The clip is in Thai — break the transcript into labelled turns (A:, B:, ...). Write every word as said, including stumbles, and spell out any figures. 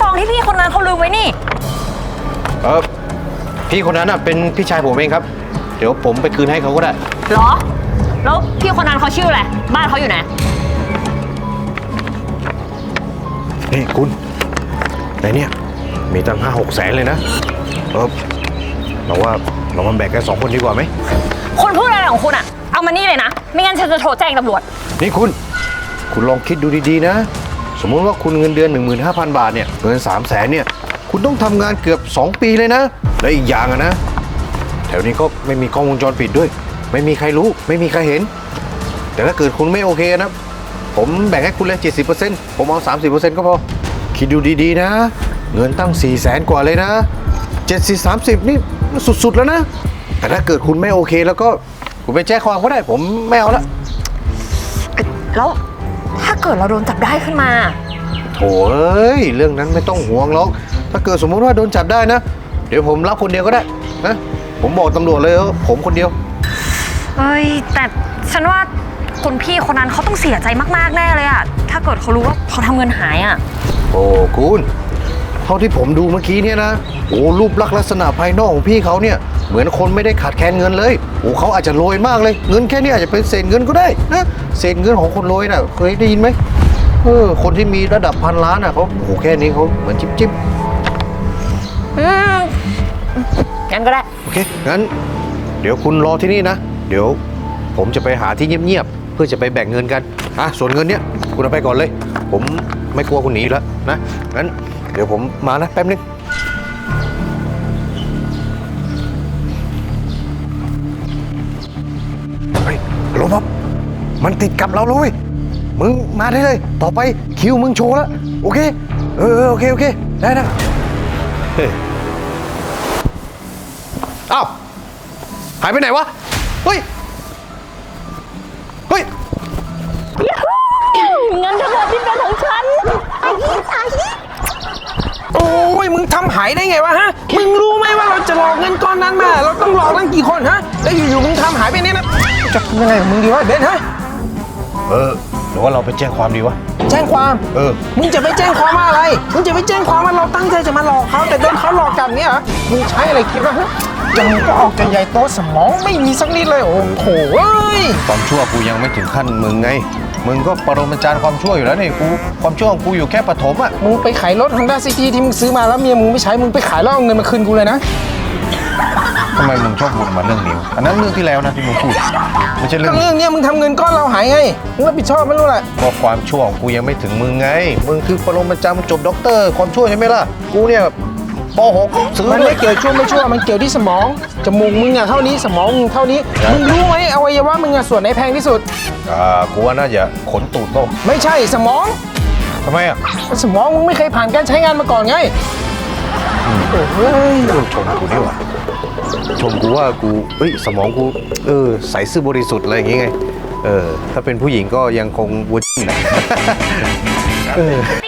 A: ซองที่พี่คนนั้นเขาลืมไว้นี่
B: เออพี่คนนั้นน่ะเป็นพี่ชายผมเองครับเดี๋ยวผมไปคืนให้เขาก็ได้
A: เหรอแล้วพี่คนนั้นเขาชื่ออะไรบ้านเขาอยู่ไหน
B: นี่คุณในเนี่ยมีตั้งห้าหกแสนเลยนะเออเราว่าเรามาแบ่งกันสองคนดีกว่าไหม
A: คนพูดอะไรของคุณอะเอามานี่เลยนะไม่งั้นฉันจะโทรแจ้งตำรวจ
B: นี่คุณคุณลองคิดดูดีๆนะสมมติว่าคุณเงินเดือน หนึ่งหมื่นห้าพัน บาทเนี่ยเงิน สามแสนเนี่ยคุณต้องทำงานเกือบสองปีเลยนะและอีกอย่างอะนะแถวนี้ก็ไม่มีกล้องวงจรปิดด้วยไม่มีใครรู้ไม่มีใครเห็นแต่ถ้าเกิดคุณไม่โอเคนะผมแบ่งให้คุณเลย เจ็ดสิบเปอร์เซ็นต์ ผมเอา สามสิบเปอร์เซ็นต์ ก็พอคิดดูดีๆนะเงินตั้ง สี่แสน กว่าเลยนะเจ็ดสิบ สามสิบนี่สุดๆแล้วนะแต่ถ้าเกิดคุณไม่โอเคแล้วก็คุณไปแจ้งความก็ได้ผมไม่เอาละ
A: แล้วถ้าเกิดเราโดนจับได้ขึ้นมา
B: โถ่เอ้ยเรื่องนั้นไม่ต้องห่วงหรอกถ้าเกิดสมมติว่าโดนจับได้นะเดี๋ยวผมรับคนเดียวก็ได้นะผมบอกตำรวจเลยว่าผมคนเดียว
A: เฮ้ยแต่ฉันว่าคนพี่คนนั้นเขาต้องเสียใจมากๆแน่เลยอะถ้าเกิดเขารู้ว่าเขาทำเงินหายอะ
B: โอ้คุณเท่าที่ผมดูเมื่อกี้เนี่ยนะโอ้รูปลักษณ์ลักษณะภายนอกของพี่เขาเนี่ยเหมือนคนไม่ได้ขาดแคลนเงินเลยโอ้เขาอาจจะรวยมากเลยเงินแค่นี้อาจจะเป็นเศษเงินก็ได้นะเศษเงินของคนรวยน่ะเคยได้ยินไหมเออคนที่มีระดับพันล้านน่ะเขาโอ้แค่นี้เขาเหมือนจิ๊บจิ๊บ
A: อืมงั้นก็ได้
B: โอเคงั้นเดี๋ยวคุณรอที่นี่นะเดี๋ยวผมจะไปหาที่เงียบๆเพื่อจะไปแบ่งเงินกันอ่ะส่วนเงินเนี้ยคุณเอาไปก่อนเลยผมไม่กลัวคุณหนีแล้วนะงั้นเดี๋ยวผมมานะแป๊บนึงเฮ้ยลงมามันติดกับเราเลยมึงมาได้เลยต่อไปคิวมึงโชว์แล้วโอเคเออโอเคโอเคได้นะเฮ้ยอ้าวหายไปไหนวะเฮ้ยเฮ้ย
A: เงินทั้งหมดที่เป็นของฉันไอ้ไอ้
C: โอ้ยมึงทำหายได้ไงวะฮะมึงรู้ไหมว่าเราจะหลอกเงินก้อนนั้นมาเราต้องหลอกตั้งกี่คนฮะแล้วอยู่ๆมึงทำหายไปเนี่ยนะจะยังไงมึงดีวะเบนฮะ
B: เออหรือว่าเราไปแจ้งความดีวะ
C: แจ้งความ
B: เออ
C: มึงจะไปแจ้งความว่าอะไรมึงจะไปแจ้งความว่าเราตั้งใจจะมาหลอกเขาแต่โดนเขาหลอกกลับเนี่ยเหรอมึงใช้อะไรคิดวะฮะยังก็ออกกันใหญ่โตสมองไม่มีสักนิดเลยโอ้โหเอ้ย
B: ความชั่วกูยังไม่ถึงขั้นมึงไงมึงก็ปรมาจารย์ความชั่วอยู่แล้วนี่กูความชั่วของกูอยู่แค่ปฐมอ่ะ
C: มึงไปขายรถ Honda City ที่มึงซื้อมาแล้วเมียมึงไม่ใช้มึงไปขายแล้วเอาเงินมาคืนกูเลยนะ
B: ทำไมมึงชอบบ่นมาเรื่องนี้อันนั้นเรื่องที่แล้วนะที่มึงพูดไม่ใช่เรื่อง
C: เรื่องนี้มึงทำเงินก้อนเราหายไงมึงรับผิดชอบไม่รู้แหละ
B: ก็ความชั่วของกูยังไม่ถึงมึงไงมึงคือปรมาจารย์จบด็อกเตอร์ความชั่วใช่ไหมล่ะกูเนี่ยป.หก ซื้อ
C: มันไม่เกี่ยวชั่วไม่ชั่วมันเกี่ยวที่สมองจมูกมึงอะเท่านี้สมองมึงเท่านี้มึงรู้ไหมอวัยวะมึงอะส่วนไหนแพงที่สุด
B: อ่ากูว่าน่าจะขนตูดโต
C: ไม่ใช่สมอง
B: ทำไมอ่ะ
C: สมองมึงไม่เคยผ่านการใช้งานมาก่อนไง
B: โอ้ยชมกูนี่หว่าชมกูว่ากูเฮ้ยสมองกูเออใสซื่อบริสุทธิ์อะไรอย่างงี้ไงเออถ้าเป็นผู้หญิงก็ยังคงวุ้นเออ